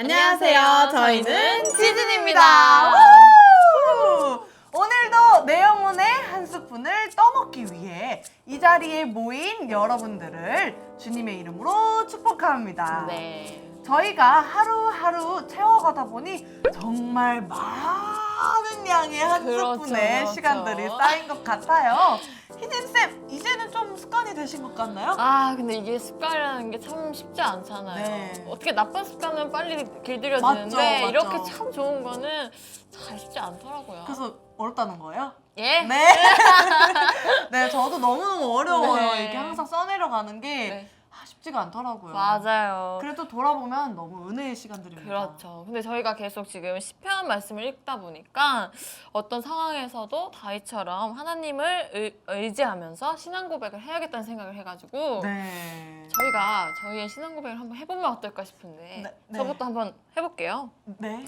안녕하세요. 저희는 치즈입니다. 오늘도 내 영혼의 한 스푼을 떠먹기 위해 이 자리에 모인 여러분들을 주님의 이름으로 축복합니다. 네. 저희가 하루하루 채워가다 보니 정말 많은 양의 한 스푼의 시간들이 쌓인 것 같아요. 희진쌤, 이제는 좀 습관이 되신 것 같나요? 근데 이게 습관이라는 게 참 쉽지 않잖아요. 네. 어떻게 나쁜 습관은 빨리 길들여지는데 맞죠. 이렇게 참 좋은 거는 잘 쉽지 않더라고요. 그래서 어렵다는 거예요? 예? 네. 네, 저도 너무너무 어려워요. 네. 이게 항상 써내려가는 게 네. 쉽지가 않더라고요. 맞아요. 그래도 돌아보면 너무 은혜의 시간들입니다. 그렇죠. 근데 저희가 계속 지금 시편 말씀을 읽다 보니까 어떤 상황에서도 다윗처럼 하나님을 의지하면서 신앙 고백을 해야겠다는 생각을 해가지고 네. 저희가 저희의 신앙 고백을 한번 해보면 어떨까 싶은데 네. 저부터 한번 해볼게요. 네.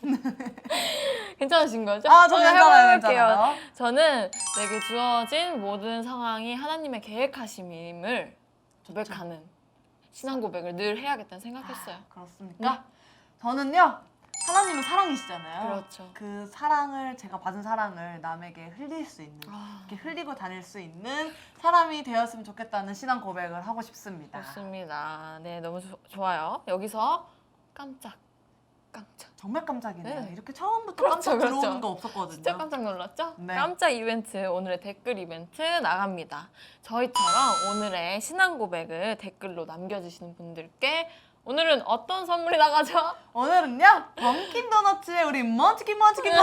괜찮으신 거죠? 저 저는 괜찮아요, 해볼게요. 괜찮아요. 저는 내게 주어진 모든 상황이 하나님의 계획하심임을 고백하는 신앙 고백을 늘 해야겠다는 생각했어요. 그렇습니까? 네. 저는요, 하나님은 사랑이시잖아요. 그렇죠. 그 사랑을, 제가 받은 사랑을 남에게 흘릴 수 있는, 아. 이렇게 흘리고 다닐 수 있는 사람이 되었으면 좋겠다는 신앙 고백을 하고 싶습니다. 좋습니다. 네, 너무 좋아요. 여기서 깜짝. 정말 깜짝이네요. 네. 이렇게 처음부터 그렇죠, 깜짝 그렇죠. 들어오는 거 없었거든요. 진짜 깜짝 놀랐죠? 네. 깜짝 이벤트, 오늘의 댓글 이벤트 나갑니다. 저희처럼 오늘의 신앙 고백을 댓글로 남겨주시는 분들께 오늘은 어떤 선물이 나가죠? 오늘은요, 던킨 도너츠의 우리 먼치킨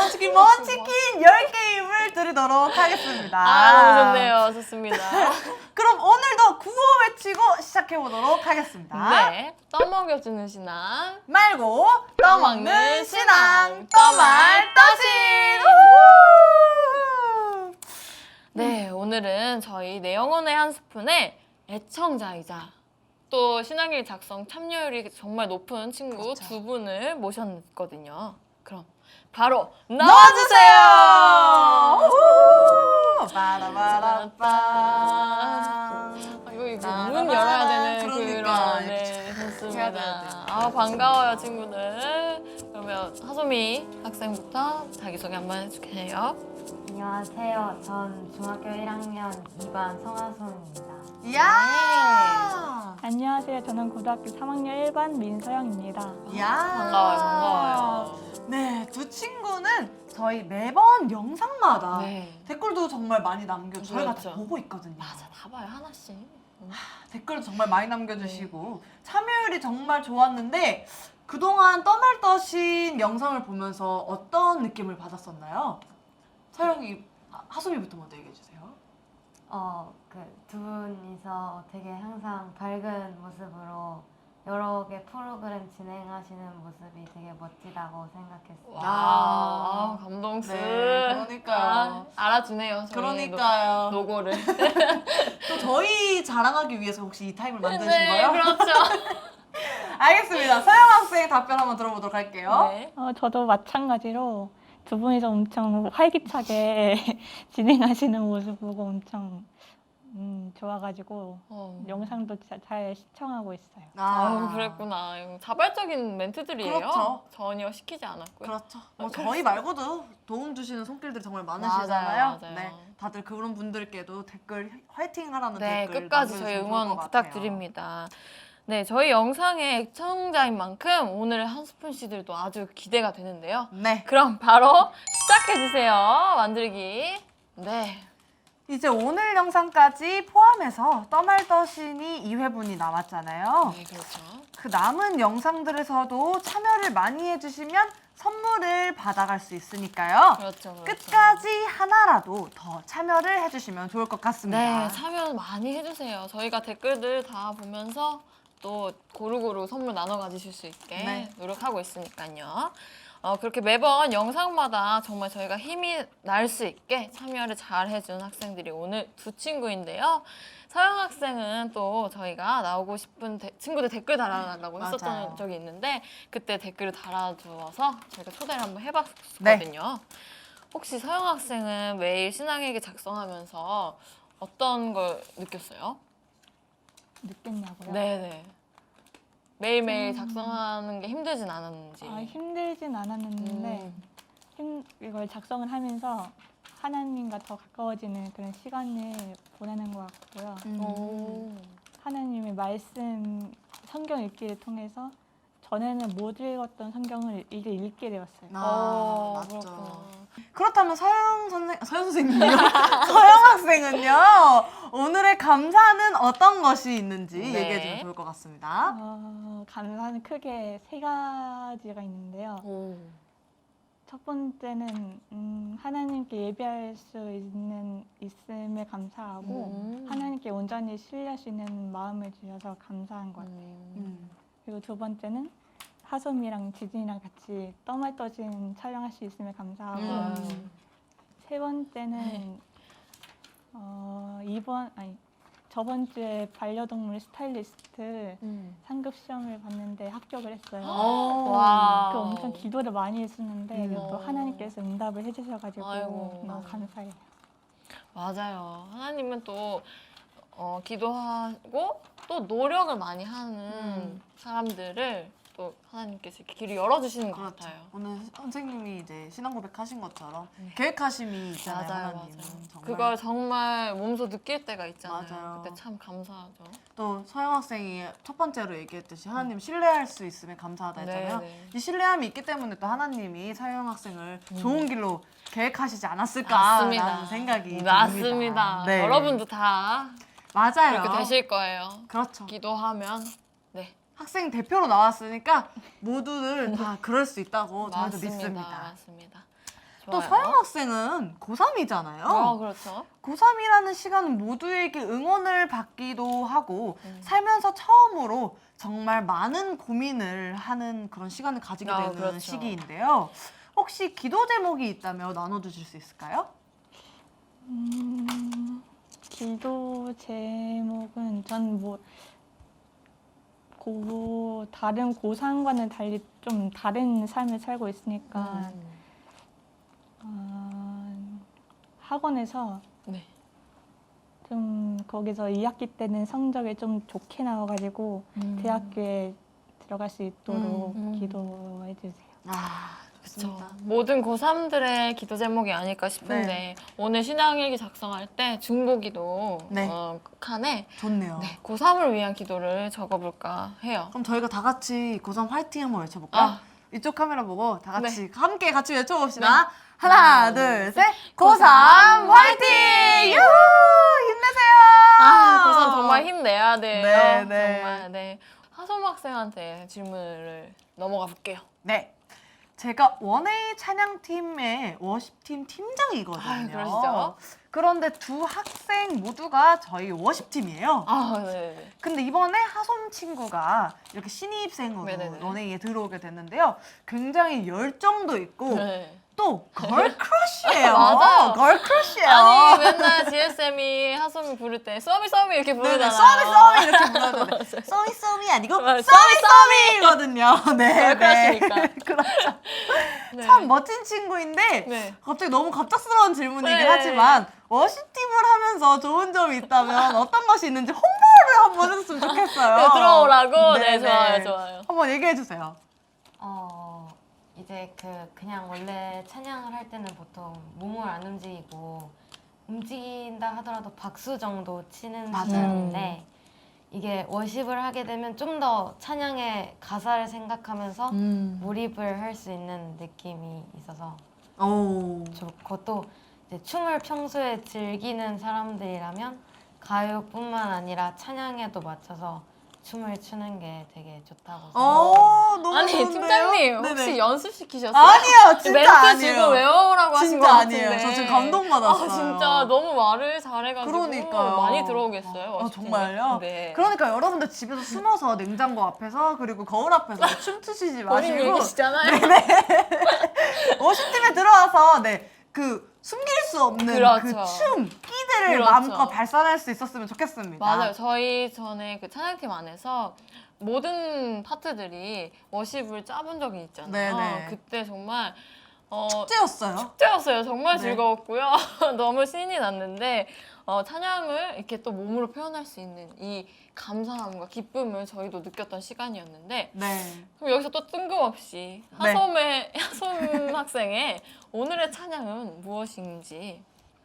10개임을 드리도록 하겠습니다. 너무 좋네요. 좋습니다. 그럼 오늘도 구호 외치고 시작해보도록 하겠습니다. 네, 떠먹여주는 신앙. 말고 떠먹는 신앙 떠말 떠신. 네, 오늘은 저희 내 영혼의 한 스푼의 애청자이자 또 신앙일 작성 참여율이 정말 높은 친구 그렇죠. 두 분을 모셨거든요. 그럼 바로 넣어주세요. 빠라바라빠. 이거 문 열어야 되는 그러니까. 그런 네, 좋습니다. 해야 돼. 반가워요 친구들. 그러면 하소미 학생부터 자기소개 한번 해주세요. 안녕하세요. 전 중학교 1학년 2반 성하솜입니다. 이야. 안녕하세요. 저는 고등학교 3학년 1반 민서영입니다. 이야. 반가워요. 네, 두 친구는 저희 매번 영상마다 네. 댓글도 정말 많이 남겨주고 저희가 다 그렇죠. 보고 있거든요. 맞아, 다 봐요 하나씩. 댓글 정말 많이 남겨주시고 참여율이 정말 좋았는데 그동안 떠날 떠신 영상을 보면서 어떤 느낌을 받았었나요? 서영이, 하수미부터 먼저 얘기해주세요. 그 두 분이서 되게 항상 밝은 모습으로 여러 개 프로그램 진행하시는 모습이 되게 멋지다고 생각했어요. 와, 감동스. 네, 그러니까요. 알아주네요. 저희 그러니까요. 노고를. 또 저희 자랑하기 위해서 혹시 이 타임을 만드신 네, 거예요? 그렇죠. 알겠습니다. 서영 학생 답변 한번 들어보도록 할게요. 네. 저도 마찬가지로 두 분이서 엄청 활기차게 진행하시는 모습 보고 엄청 좋아가지고 영상도 잘 시청하고 있어요. 그랬구나. 이거 자발적인 멘트들이에요. 그렇죠. 전혀 시키지 않았고요. 그렇죠. 뭐 저희 말고도 도움 주시는 손길들이 정말 많으시잖아요. 맞아요. 네, 다들 그런 분들께도 댓글 화이팅 하라는 네, 댓글 끝까지 저희 남겨주시면 좋을 응원 것 같아요. 부탁드립니다. 네, 저희 영상의 애청자인 만큼 오늘의 한 스푼씨들도 아주 기대가 되는데요. 네, 그럼 바로 시작해주세요. 만들기. 네. 이제 오늘 영상까지 포함해서 떠말 떠신이 2회분이 남았잖아요. 네, 그렇죠. 그 남은 영상들에서도 참여를 많이 해주시면 선물을 받아갈 수 있으니까요. 그렇죠. 끝까지 하나라도 더 참여를 해주시면 좋을 것 같습니다. 네, 참여 많이 해주세요. 저희가 댓글들 다 보면서 또 고루고루 선물 나눠 가지실 수 있게 네. 노력하고 있으니까요. 그렇게 매번 영상마다 정말 저희가 힘이 날 수 있게 참여를 잘 해준 학생들이 오늘 두 친구인데요. 서영 학생은 또 저희가 나오고 싶은 친구들 댓글 달아달라고 했었던 맞아요. 적이 있는데 그때 댓글을 달아주어서 저희가 초대를 한번 해봤거든요. 혹시 서영 학생은 매일 신앙일기 작성하면서 어떤 걸 느꼈어요? 느꼈냐고요? 네네. 매일매일 작성하는 게 힘들진 않았는지. 힘들진 않았는데 이걸 작성을 하면서 하나님과 더 가까워지는 그런 시간을 보내는 것 같고요. 오. 하나님의 말씀, 성경 읽기를 통해서 전에는 못 읽었던 성경을 이제 읽게 되었어요. 맞죠. 그렇구나. 그렇다면 서영 선생님요? 서영 학생은요? 오늘의 감사는 어떤 것이 있는지 네. 얘기해 주면 좋을 것 같습니다. 감사는 크게 세 가지가 있는데요. 오. 첫 번째는 하나님께 예배할 수 있음에 감사하고 하나님께 온전히 신뢰할 수 있는 마음을 주셔서 감사한 것 같아요. 그리고 두 번째는 하솜이랑 지진이랑 같이 떠말 떠진 촬영할 수 있음에 감사하고 세 번째는 저번 주에 반려동물 스타일리스트 상급 시험을 봤는데 합격을 했어요. 와. 그 엄청 기도를 많이 했었는데 또 어. 하나님께서 응답을 해주셔가지고 아이고. 너무 감사해요. 맞아요. 하나님은 또 기도하고 또 노력을 많이 하는 사람들을 또 하나님께서 이렇게 길을 열어주시는 것 그렇죠. 같아요. 오늘 선생님이 이제 신앙 고백하신 것처럼 계획하심이 있잖아요. 맞아요, 하나님은. 맞아요. 정말. 그걸 정말 몸소 느낄 때가 있잖아요. 맞아요. 그때 참 감사하죠. 또 서영 학생이 첫 번째로 얘기했듯이 하나님 신뢰할 수 있음에 감사하다 했잖아요. 네. 이 신뢰함이 있기 때문에 또 하나님이 서영 학생을 좋은 길로 계획하시지 않았을까라는 맞습니다. 생각이 맞습니다. 듭니다. 네. 여러분도 다 맞아요. 그렇게 되실 거예요. 그렇죠. 기도하면 네. 학생 대표로 나왔으니까 모두들 다 그럴 수 있다고 저희도 믿습니다. 맞습니다. 또 좋아요. 서영 학생은 고3이잖아요. 그렇죠. 고3이라는 시간은 모두에게 응원을 받기도 하고 살면서 처음으로 정말 많은 고민을 하는 그런 시간을 가지게 되는 그렇죠. 시기인데요. 혹시 기도 제목이 있다면 나눠주실 수 있을까요? 기도 제목은 전 다른 고3과는 달리 좀 다른 삶을 살고 있으니까 학원에서 네. 좀 거기서 2학기 때는 성적이 좀 좋게 나와가지고 대학교에 들어갈 수 있도록 기도해 주세요. 좋습니다. 모든 고3들의 기도 제목이 아닐까 싶은데 네. 오늘 신앙일기 작성할 때 중보기도 네. 칸에 좋네요. 네, 고3을 위한 기도를 적어볼까 해요. 그럼 저희가 다 같이 고3 화이팅 한번 외쳐볼까요? 아. 이쪽 카메라 보고 다 같이 네. 함께 같이 외쳐봅시다. 네. 하나, 둘, 셋. 고3 화이팅! 유후! 힘내세요! 고3 정말 힘내야 돼요. 네, 네. 정말 네. 하솜 학생한테 질문을 넘어가 볼게요. 네. 제가 원웨이 찬양팀의 워십팀 팀장이거든요. 아유, 그러시죠? 그런데 두 학생 모두가 저희 워십팀이에요. 네. 근데 이번에 하솜 친구가 이렇게 신입생으로 네네네. 원웨이에 들어오게 됐는데요. 굉장히 열정도 있고 네. 또 걸크러쉬예요. 맞아요. 걸크러쉬예요. 아니 맨날 GSM이 하솜이 부를 때 쏘미 이렇게 네네, 부르잖아요. 쏘미 이렇게 불러도 쏘미 아니고 맞아요. 쏘미거든요. 네, 걸크러쉬니까. 그렇죠. 네. 참 멋진 친구인데 네. 갑자기 너무 갑작스러운 질문이긴 네. 하지만 워십팀을 하면서 좋은 점이 있다면 어떤 것이 있는지 홍보를 한번 해줬으면 좋겠어요. 네, 들어오라고? 네, 네네. 좋아요. 한번 얘기해 주세요. 이제 그냥 원래 찬양을 할 때는 보통 몸을 안 움직이고 움직인다 하더라도 박수 정도 치는 맞아요. 시간인데 이게 워십을 하게 되면 좀 더 찬양의 가사를 생각하면서 몰입을 할 수 있는 느낌이 있어서 오. 좋고 또 이제 춤을 평소에 즐기는 사람들이라면 가요뿐만 아니라 찬양에도 맞춰서 춤을 추는 게 되게 좋다고 생각해요. 너무 아니 좋은데요? 팀장님 혹시 네네. 연습시키셨어요? 아니에요, 진짜 멘트 아니에요. 지금 외워오라고 하신 것 진짜 같은데. 아니에요. 저 지금 감동받았어요. 진짜 너무 말을 잘해가지고 그러니까요. 많이 들어오겠어요. 워십팀에. 정말요? 네. 그러니까 여러분들 집에서 숨어서 냉장고 앞에서 그리고 거울 앞에서 춤추시지 본인 마시고 얘기시잖아요. 워십팀에 들어와서 그 숨길 수 없는 그렇죠. 그 춤, 끼들을 그렇죠. 마음껏 발산할 수 있었으면 좋겠습니다. 맞아요. 저희 전에 그 찬양팀 안에서 모든 파트들이 워십을 짜본 적이 있잖아요. 네네. 그때 정말 축제였어요. 축제였어요. 정말 네. 즐거웠고요. 너무 신이 났는데 찬양을 이렇게 또 몸으로 표현할 수 있는 이 감사함과 기쁨을 저희도 느꼈던 시간이었는데 네. 그럼 여기서 또 뜬금없이 네. 하솜 학생의 오늘의 찬양은 무엇인지.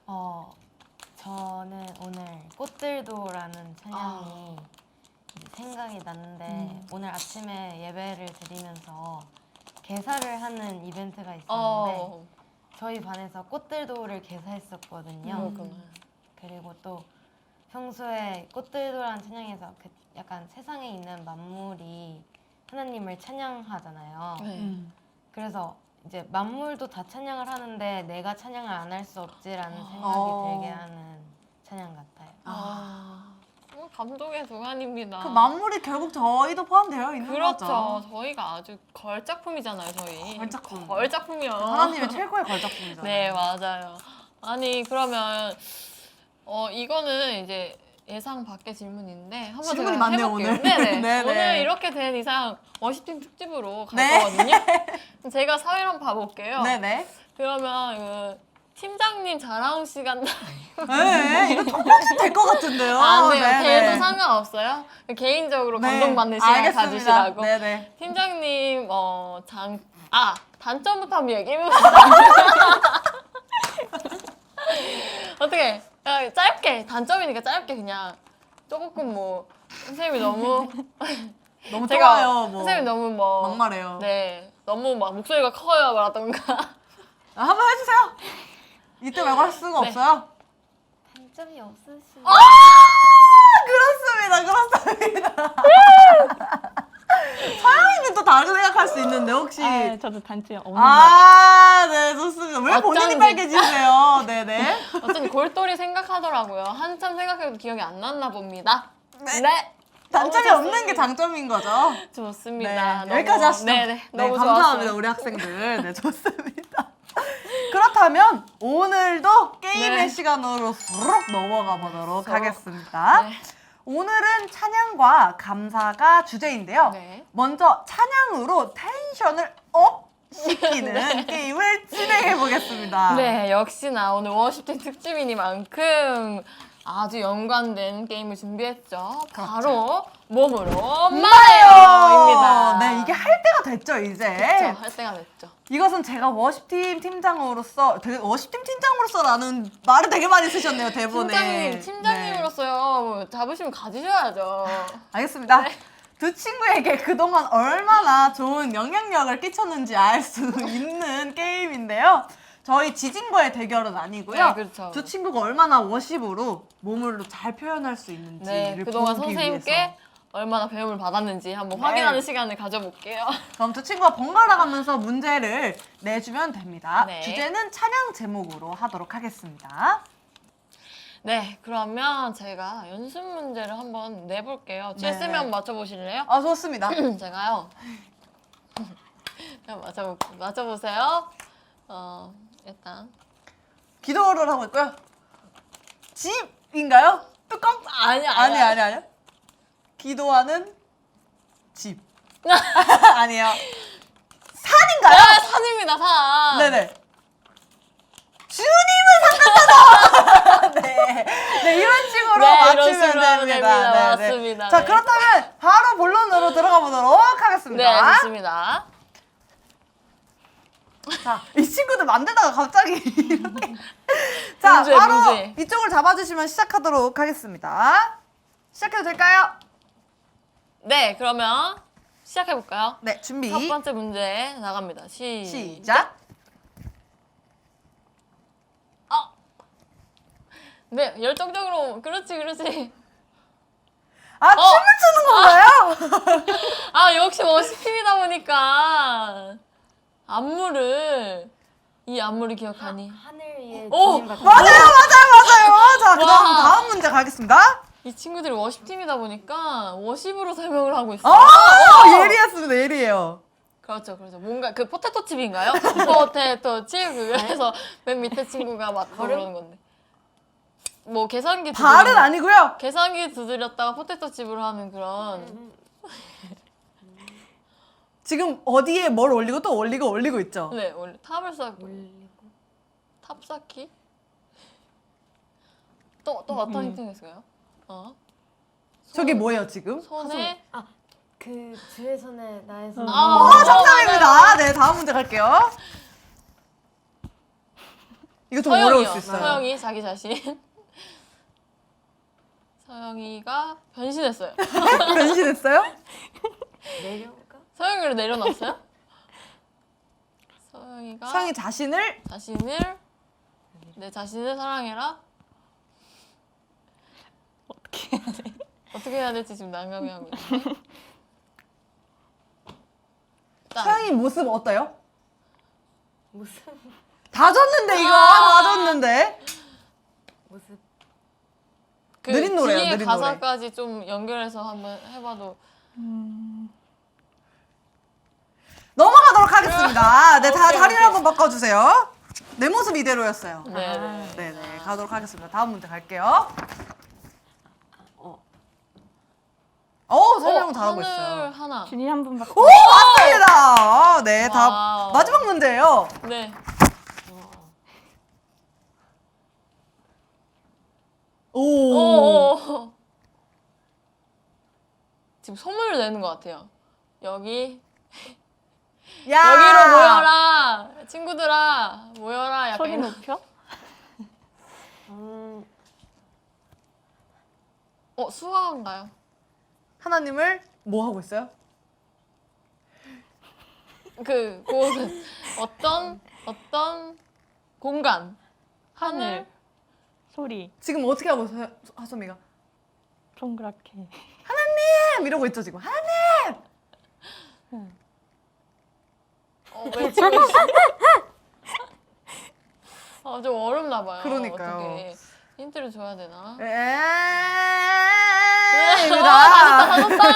저는 오늘 꽃들도라는 찬양이 이제 생각이 났는데 오늘 아침에 예배를 드리면서 개사를 하는 이벤트가 있었는데 저희 반에서 꽃들도를 개사했었거든요. 그렇구나. 그리고 또 평소에 꽃들도라는 찬양에서 그 약간 세상에 있는 만물이 하나님을 찬양하잖아요. 네. 그래서 이제 만물도 다 찬양을 하는데 내가 찬양을 안 할 수 없지라는 생각이 들게 하는 찬양 같아요. 감동의 동안입니다. 그 만물이 결국 저희도 포함되어 있는 그렇죠. 거죠. 저희가 아주 걸작품이잖아요, 저희. 걸작품. 걸작품이요. 하나님의 최고의 걸작품이잖아요. 네, 맞아요. 아니, 그러면 이거는 이제 예상 밖의 질문인데 한번 질문이 제가 많네요, 해볼게요. 오늘. 네네. 네네. 오늘 이렇게 된 이상 워시팀 특집으로 갈 네. 거거든요. 제가 사회를 한번 봐볼게요. 네네. 그러면 팀장님 자랑 시간 네, 이거 통방식 될 것 같은데요. 안 돼요. 네네. 걔도 상관없어요. 개인적으로 네, 감동받는 시간 알겠습니다. 가지시라고. 네네. 팀장님 단점부터 한번 얘기해봅시다. 어떻게 짧게 짧게 그냥 조금 뭐 선생님이 너무 너무 제가 좋아요. 뭐 선생님이 너무 뭐 막말해요. 네 너무 막 목소리가 커요 라던가. 한번 해주세요. 이때 말고 할 수가 네. 없어요. 단점이 없으시죠? 그렇습니다. 서영이는 또 다르게 생각할 수 있는데 혹시 저도 단점 없는 것 같아요. 네, 좋습니다. 왜 본인이 어쩐지. 빨개지세요? 네네. 어쩐지 골똘히 생각하더라고요. 한참 생각해도 기억이 안 났나 봅니다. 네. 네. 단점이 너무 없는 게 좋습니다. 장점인 거죠. 좋습니다. 네, 여기까지 하시죠. 네네. 너무 감사합니다, 좋았어요. 우리 학생들. 네, 좋습니다. 그렇다면 오늘도 게임의 네. 시간으로 수록 넘어가 보도록 하겠습니다. 네. 오늘은 찬양과 감사가 주제인데요. 네. 먼저 찬양으로 텐션을 업 시키는 게임을 진행해 보겠습니다. 네, 역시나 오늘 워시팀 특집이니만큼 아주 연관된 게임을 준비했죠. 바로 몸으로 말해요입니다. 네, 이게 할 때가 됐죠, 이제. 그렇죠, 할 때가 됐죠. 이것은 제가 워십팀 팀장으로서 워십팀 팀장으로서라는 말을 되게 많이 쓰셨네요, 대본에. 팀장님으로서요. 자부심 가지셔야죠. 네. 알겠습니다. 두 친구에게 그동안 얼마나 좋은 영향력을 끼쳤는지 알 수 있는 게임인데요. 저희 지진과의 대결은 아니고요. 네, 그렇죠. 두 친구가 얼마나 워십으로 몸으로 잘 표현할 수 있는지를 네, 그동안 보기 선생님께 위해서. 얼마나 배움을 받았는지 한번 네. 확인하는 시간을 가져볼게요. 그럼 두 친구가 번갈아 가면서 문제를 내주면 됩니다. 네. 주제는 찬양 제목으로 하도록 하겠습니다. 네, 그러면 제가 연습 문제를 한번 내볼게요. 네. 질쓰면 맞춰보실래요? 아, 좋습니다. 제가요. 맞춰보세요. 일단. 기도를 하고 있고요. 집인가요? 뚜껑? 아니요. 기도하는 집. 아니에요. 산인가요? 산입니다, 산. 네네. 주님은 상관하다. 네, 이런 식으로 네, 이런 맞추면 식으로 하면 됩니다. 됩니다. 네, 맞습니다. 자, 네. 그렇다면 바로 본론으로 들어가 보도록 네, 하겠습니다. 좋습니다. 자, 이 친구들 만들다가 갑자기 이렇게. 자, 문제, 바로 문제. 이쪽을 잡아주시면 시작하도록 하겠습니다. 시작해도 될까요? 네, 그러면 시작해볼까요? 네, 준비. 첫 번째 문제 나갑니다. 시작. 네, 열정적으로. 그렇지. 아, 춤을 추는 건가요? 역시 워시팀이다 보니까 이 안무를 기억하니. 하늘 위에 오! 주님과 맞아요. 자, 그다음 와. 다음 문제 가겠습니다. 이 친구들이 워십팀이다 보니까 워십으로 설명을 하고 어, 있어요. 예리했습니다. 예리해요. 그렇죠. 뭔가 그 포테토 칩인가요? 포테토 칩 그래서 맨 밑에 친구가 맞고 그러는 건데. 뭐 계산기 발은 아니고요. 계산기 두드렸다가 포테토 칩으로 하는 그런. 지금 어디에 뭘 올리고 또 올리고 있죠? 네, 원래 탑을 쌓고. 탑 쌓기? 또 어떤 힌트가 있을까요? 저게 뭐예요 지금? 손에 그 주의 손에 나의 손. 정답입니다. 네, 다음 문제 갈게요. 이거 좀 어려울 수 있어요. 서영이 자기 자신. 서영이가 변신했어요. 변신했어요? 내려올까? 서영이를 내려놨어요? 서영이가 상이 자신을 내 자신을 사랑해라. 어떻게 해야 될지 지금 난감해 하고 있는데. 서영이 모습 어때요? 모습. 다 줬는데 이거 다 줬는데. 모습. 그 느린 노래요, 뒤에 느린 가사까지 좀 연결해서 한번 해봐도. 넘어가도록 하겠습니다. 네, 다 오케이, 다리를 오케이. 한번 바꿔주세요. 내 모습 이대로였어요. 네. 네네, 가도록 하겠습니다. 다음 문제 갈게요. 설명 잘하고 하늘 있어요. 하나. 준이 한 분밖에. 오, 맞습니다. 네, 다 와우. 마지막 문제예요. 네. 오. 지금 소문을 내는 것 같아요. 여기 야. 여기로 모여라, 친구들아 모여라. 약간 소리 이런. 높여? 수화인가요? 하나님을 뭐 하고 있어요? 그곳은 어떤 공간, 하늘. 소리 지금 어떻게 하고 있어요, 하소미가? 동그랗게. 이러고 있죠 지금. 하나님. 외치고 있어. 좀 어렵나 봐요. 그러니까요. 어떻게 힌트를 줘야 되나? 입니다. 다 줬다.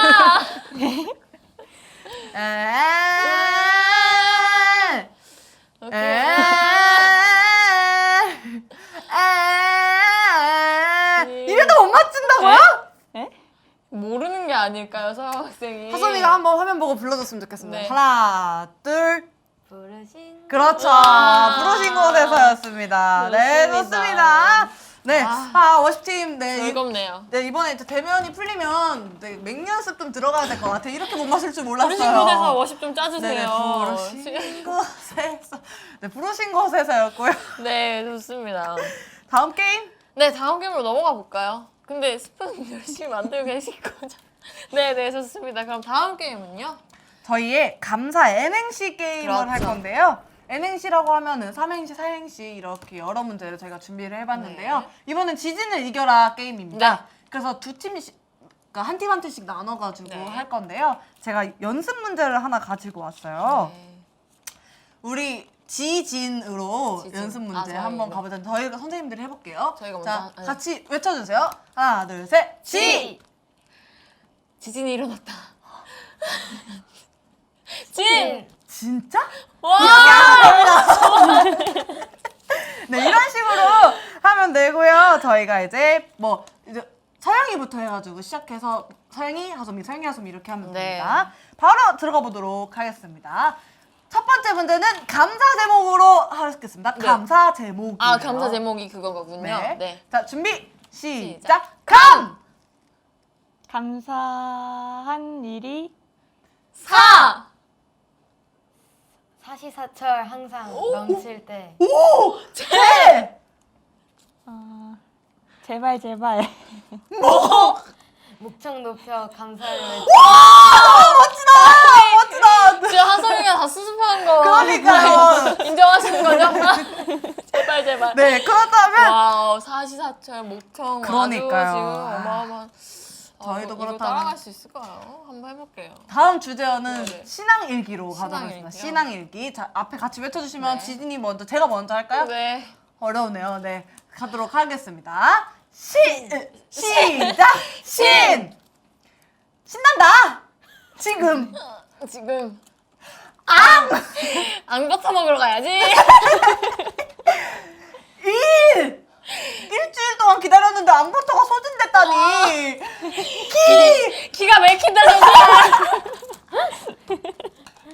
이래도 못 맞춘다고요? 모르는 게 아닐까요, 서영 학생이? 하소미가 한번 화면 보고 불러줬으면 좋겠습니다. 네. 하나, 둘. 부르신. 그렇죠. 와. 부르신 곳에서였습니다. 네, 좋습니다. 좋습니다. 네, 아. 워십팀, 네, 즐겁네요. 네, 이번에 이제 대면이 풀리면 네, 맹연습 좀 들어가야 될 것 같아요. 이렇게 못 마실 줄 몰랐어요. 부르신 곳에서 워십 좀 네, 짜주세요. 부르신 곳에서. 네, 부르신 곳에서였고요. 네, 좋습니다. 다음 게임. 네, 다음 게임으로 넘어가 볼까요? 근데 스푼 열심히 만들고 계실 거죠? 네, 네, 좋습니다. 그럼 다음 게임은요? 저희의 감사 N행시 게임을 그렇죠. 할 건데요. N행시라고 하면은 삼행시, 사행시 이렇게 여러 문제를 저희가 준비를 해봤는데요. 이번엔 지진을 이겨라 게임입니다. 네. 그래서 두 팀씩, 그러니까 한 팀 한 팀씩 나눠가지고 네. 할 건데요. 제가 연습 문제를 하나 가지고 왔어요. 네. 우리 지진으로 지진. 연습 문제 저희가. 한번 가보자. 저희가 선생님들이 해볼게요. 저희가 먼저 자, 네. 같이 외쳐주세요. 하나, 둘, 셋. 지진이 일어났다. 진! 진짜? 와! 네, 이런 식으로 하면 되고요. 저희가 이제 이제 서영이부터 해가지고 시작해서 서영이, 하소미, 서영이, 하소미 이렇게 하면 네. 됩니다. 바로 들어가 보도록 하겠습니다. 첫 번째 문제는 감사 제목으로 하겠습니다. 네. 감사 제목. 감사 제목이 그거군요. 네. 네. 자, 준비 시작. 시작. 감. 감사한 일이 사! 사시사철 항상 넘칠 때. 오! 제! 제발 제발. 목청 높여 감사를 외치. 멋지다! 지금 하성이가 다 수습한 거. 그러니까요. 인정하시는 거죠? 제발, 제발. 네, 그렇다면 와우, 사시사철, 목청. 그러니까요. 아주 지금 아. 어마어마한. 저희도 이거 그렇다면. 따라갈 수 있을까요? 한번 해볼게요. 다음 주제어는 네. 신앙일기로 가도록 하겠습니다. 신앙일기요? 신앙일기. 자, 앞에 같이 외쳐주시면 네. 지진이 먼저, 제가 먼저 할까요? 네. 어려우네요. 네, 가도록 하겠습니다. 시작! 신난다! 지금! 지금. 앙버터 먹으러 가야지. 일주일 동안 기다렸는데 앙버터가 소진됐다니! 기가 막힌다, 정말.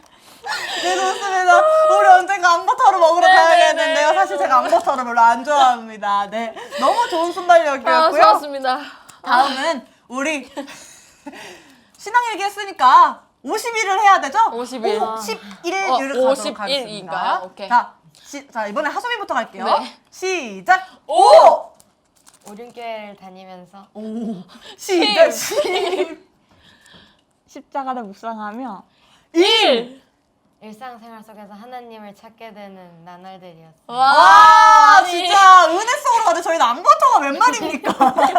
네, 좋습니다. 우리 언젠가 앙버터를 먹으러 가야겠는데요. 사실 제가 앙버터를 별로 안 좋아합니다. 네, 너무 좋은 순발력이었고요. 좋았습니다. 다음은 우리 신앙일기 했으니까 50일을 해야 되죠? 50일. 51일을 어, 가도록 51일 하겠습니다. 인가요? 오케이. 자, 이번에 하소미부터 갈게요. 네. 시작! 오! 오륜교회를 다니면서 오! 시작! 10! 십자가를 묵상하며 1! 일상생활 속에서 하나님을 찾게 되는 나날들이었어요. 와, 진짜 은혜 속으로 가는데 저희는 앙버터가 웬 말입니까?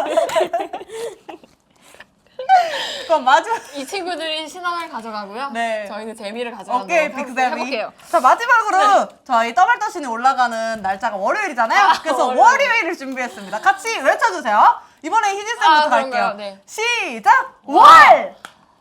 그럼 마지막 이 친구들이 신앙을 가져가고요. 네. 저희는 재미를 가져가도록 오케이 빅세미. 해볼게요. 자 마지막으로 저희 떠발떠신이 올라가는 날짜가 월요일이잖아요. 그래서 월요일. 월요일을 준비했습니다. 같이 외쳐주세요. 이번에 희진쌤부터 갈게요. 그런가요? 네. 시작! 월!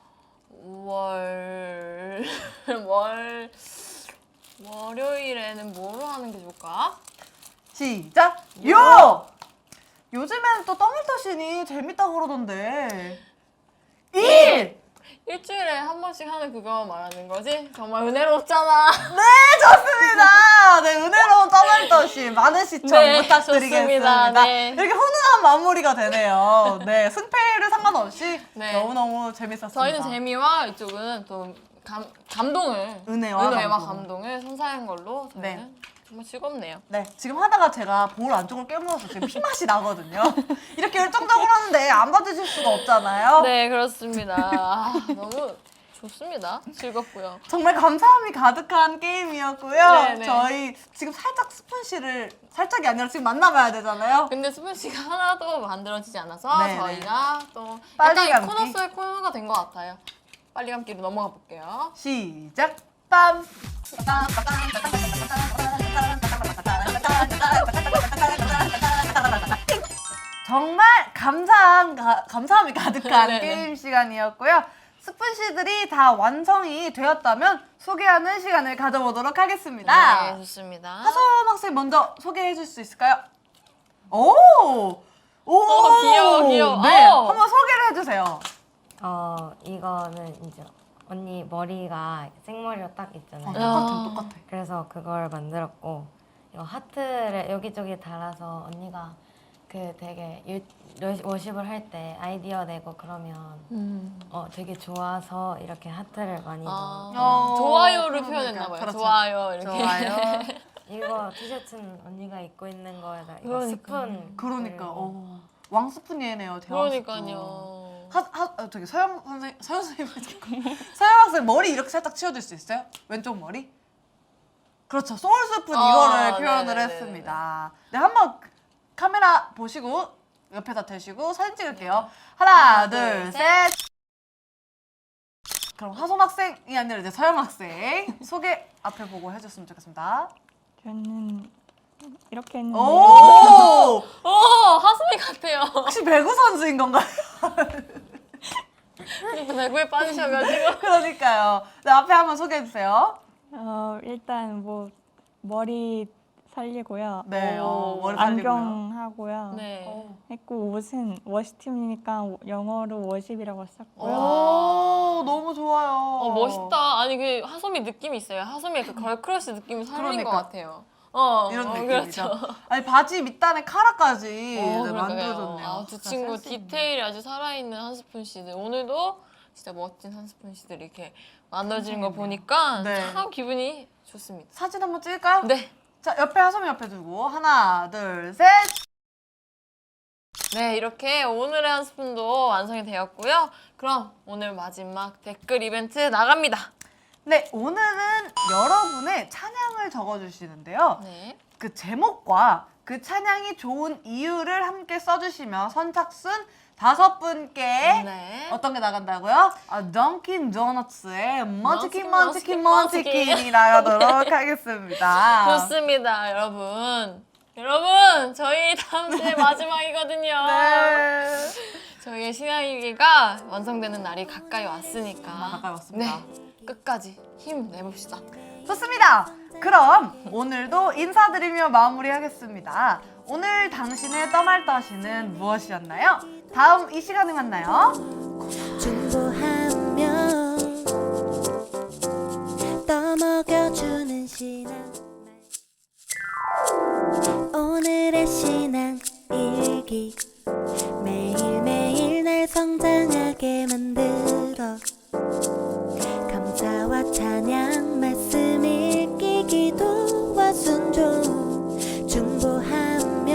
월요일에는 뭐로 하는 게 좋을까? 시작! 요! 요즘에는 또 떠발떠신이 재밌다고 그러던데. 일! 일주일에 한 번씩 하는 그거 말하는 거지? 정말 은혜롭잖아. 네, 좋습니다. 네, 은혜로운 떠날떠시 많은 시청 네, 부탁드리겠습니다. 좋습니다. 네. 이렇게 훈훈한 마무리가 되네요. 네, 승패를 상관없이 네. 너무너무 재밌었습니다. 저희는 재미와 이쪽은 또 감동을 은혜와 감동. 감동을 선사한 걸로 저희는 네. 정말 즐겁네요. 네, 지금 하다가 제가 볼 안쪽을 깨물어서 지금 피맛이 나거든요. 이렇게 열정적으로 하는데 안 받으실 수가 없잖아요. 네, 그렇습니다. 너무 좋습니다. 즐겁고요. 정말 감사함이 가득한 게임이었고요. 네, 네. 저희 지금 살짝 스푼씨를 살짝이 아니라 지금 만나봐야 되잖아요. 근데 스푼씨가 하나도 만들어지지 않아서 네, 저희가 또 빨리 약간 이 감기. 코너 속의 코너가 된 것 같아요. 빨리 감기로 넘어가 볼게요. 시작! 빰! 정말 감사함이 가득한 네네. 게임 시간이었고요. 스푼씨들이 다 완성이 되었다면 소개하는 시간을 가져보도록 하겠습니다. 네, 좋습니다. 하소연 학생 먼저 소개해 줄 수 있을까요? 오! 귀여워. 네, 어. 한번 소개를 해주세요. 이거는 이제 언니 머리가 생머리로 딱 있잖아요. 똑같아. 그래서 그걸 만들었고 이거 하트를 여기저기 달아서 언니가 그 되게 워십을 할 때 아이디어 내고 그러면 되게 좋아서 이렇게 하트를 많이 넣어요. 좋아요를 그러니까, 표현했나 봐요. 그렇죠. 좋아요 이렇게. 좋아요. 이거 티셔츠는 언니가 입고 있는 거에다 이거 그러니까요. 스푼 그러니까 그리고 왕스푼이네요. 대왕 스푼. 그러니까요. 저기 서영 선생님 서영 학생 머리 이렇게 살짝 치워줄 수 있어요? 왼쪽 머리? 그렇죠. 소울 스푼 이거를 표현을 네네네네. 했습니다. 네, 한번 카메라 보시고 옆에다 대시고 사진 찍을게요. 하나, 둘, 셋. 그럼 하솜 학생이 아니라 이제 서영 학생 소개 앞에 보고 해줬으면 좋겠습니다. 저는 이렇게 했는데 오! 하수미 같아요. 혹시 배구 선수인 건가요? 배구에 빠지셔가지고. 그러니까요. 네, 앞에 한번 소개해 주세요. 일단 뭐 머리 살리고요. 네, 오, 머리 살리고요. 안경 하고요. 네. 했고 옷은 워시팀이니까 영어로 워십이라고 썼고요. 오, 너무 좋아요. 멋있다. 아니 그 하소미 느낌이 있어요. 하소미의 그 걸크러쉬 느낌을 살린 그러니까. 것 같아요. 이런 느낌이죠. 그렇죠. 아니 바지 밑단에 카라까지 네, 그러니까요. 만들어줬네요. 두 진짜 친구 센스 있네. 디테일이 아주 살아있는 한 스푼 씨들. 오늘도 진짜 멋진 한 스푼 씨들이 이렇게 만들어지는 거 보니까 네. 참 기분이 좋습니다. 사진 한번 찍을까요? 네. 자, 옆에 하솜이 옆에 두고 하나, 둘, 셋. 네, 이렇게 오늘의 한 스푼도 완성이 되었고요. 그럼 오늘 마지막 댓글 이벤트 나갑니다. 네, 오늘은 여러분의 찬양을 적어주시는데요. 네. 그 제목과 그 찬양이 좋은 이유를 함께 써주시면 선착순 5분께 네. 어떤 게 나간다고요? 던킨 도너츠의 먼치킨 먼치킨, 먼치킨 먼치킨이 나가도록 하겠습니다. 좋습니다, 여러분. 여러분, 저희 다음 주에 마지막이거든요. 네. 저희의 신앙일기가 완성되는 날이 가까이 왔으니까. 가까이 왔습니다. 네, 끝까지 힘 내봅시다. 좋습니다. 그럼 오늘도 인사드리며 마무리하겠습니다. 오늘 당신의 떠말떠시는 무엇이었나요? 다음 이 시간에 만나요. 중보하며 떠먹여 신앙 오늘의 신앙 일기